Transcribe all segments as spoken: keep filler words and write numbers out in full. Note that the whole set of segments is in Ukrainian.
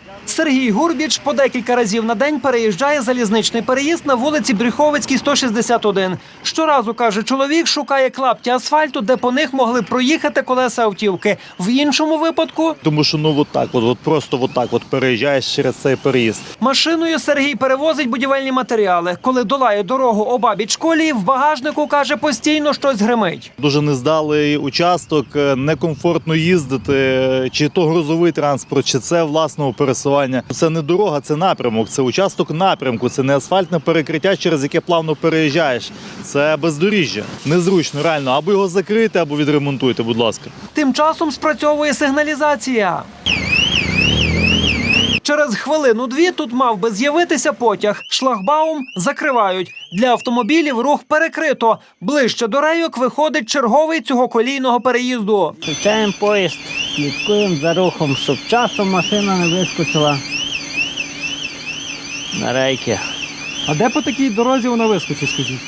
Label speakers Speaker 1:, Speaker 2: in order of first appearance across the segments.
Speaker 1: Сергій Гурбіч по декілька разів на день переїжджає залізничний переїзд на вулиці Брюховицькій, сто шістдесят один. Щоразу, каже чоловік, шукає клапті асфальту, де по них могли проїхати колеса автівки. В іншому випадку...
Speaker 2: Тому що ну от так, от, от просто от так от переїжджаєш через цей переїзд.
Speaker 1: Машиною Сергій перевозить будівельні матеріали. Коли долає дорогу обабіч колії, в багажнику, каже, постійно щось гримить.
Speaker 2: Дуже нездалий участок, некомфортно їздити, чи то грузовий транспорт, чи це власного пересування. Це не дорога, це напрямок, це участок напрямку, це не асфальтне перекриття, через яке плавно переїжджаєш. Це бездоріжжя. Незручно, реально. Або його закрити, або відремонтуйте, будь ласка.
Speaker 1: Тим часом спрацьовує сигналізація. Через хвилину-дві тут мав би з'явитися потяг. Шлагбаум закривають. Для автомобілів рух перекрито. Ближче до рейок виходить черговий цього колійного переїзду.
Speaker 3: Включаємо поїзд, слідкуємо за рухом, щоб часом машина не вискочила на рейки.
Speaker 1: А де по такій дорозі вона вискочить, скажіть?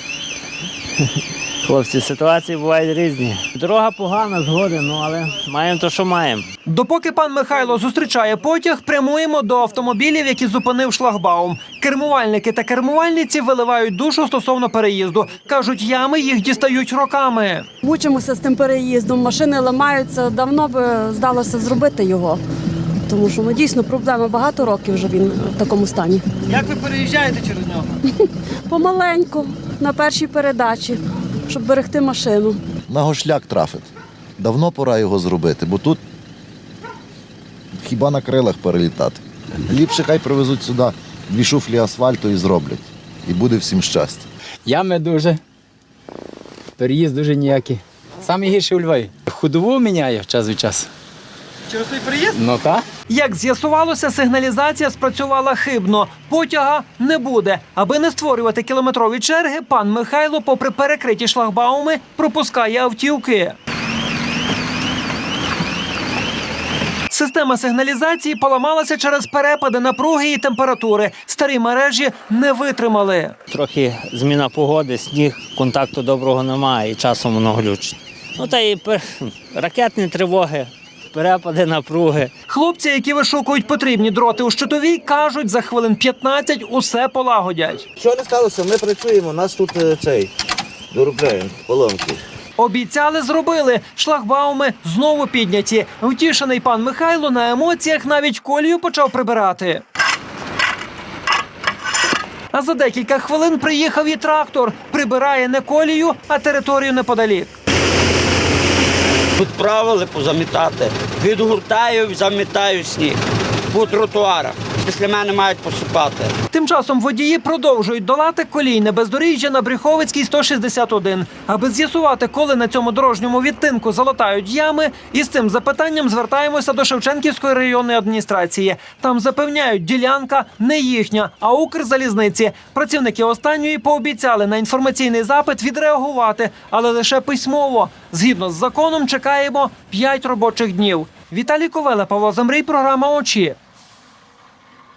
Speaker 3: Хлопці, ситуації бувають різні. Дорога погана, згоден, ну але маємо то, що маємо.
Speaker 1: Допоки пан Михайло зустрічає потяг, прямуємо до автомобілів, які зупинив шлагбаум. Кермувальники та кермувальниці виливають душу стосовно переїзду. Кажуть, ями їх дістають роками.
Speaker 4: Мучимося з тим переїздом, машини ламаються, давно би здалося зробити його. Тому що ну, дійсно проблема, багато років вже він в такому стані.
Speaker 1: Як ви переїжджаєте через нього?
Speaker 4: Помаленьку, на першій передачі, щоб берегти машину.
Speaker 5: На гошляк трафить. Давно пора його зробити, бо тут хіба на крилах перелітати. Ліпше хай привезуть сюди дві шуфлі асфальту і зроблять. І буде всім щастя.
Speaker 6: Ями дуже, переїзд дуже ніякий. Саме гірше у Львові. Ходову міняє час від часу.
Speaker 1: Через той переїзд?
Speaker 6: Ну так.
Speaker 1: Як з'ясувалося, сигналізація спрацювала хибно. Потяга не буде. Аби не створювати кілометрові черги, пан Михайло, попри перекриті шлагбауми, пропускає автівки. Система сигналізації поламалася через перепади напруги і температури. Старі мережі не витримали.
Speaker 3: Трохи зміна погоди, сніг, контакту доброго немає і часом воно глючить. Ну та і пер... ракетні тривоги, перепади напруги.
Speaker 1: Хлопці, які вишукують потрібні дроти у щитовій, кажуть, за хвилин п'ятнадцять усе полагодять.
Speaker 7: Що не сталося, ми працюємо, нас тут е, цей, доробляємо, поломки.
Speaker 1: Обіцяли, зробили. Шлагбауми знову підняті. Втішений пан Михайло на емоціях навіть колію почав прибирати. А за декілька хвилин приїхав і трактор. Прибирає не колію, а територію неподалік.
Speaker 8: Тут правили позамітати. Відгортаю, замітаю сніг по тротуарах. Після мене мають посипати.
Speaker 1: Тим часом водії продовжують долати колійне бездоріжжя на Брюховицькій, сто шістдесят один. Аби з'ясувати, коли на цьому дорожньому відтинку залатають ями, із цим запитанням звертаємося до Шевченківської районної адміністрації. Там запевняють, ділянка не їхня, а Укрзалізниці. Працівники останньої пообіцяли на інформаційний запит відреагувати, але лише письмово. Згідно з законом чекаємо п'ять робочих днів. Віталій Ковела, Павло Замрій, програма «Очі».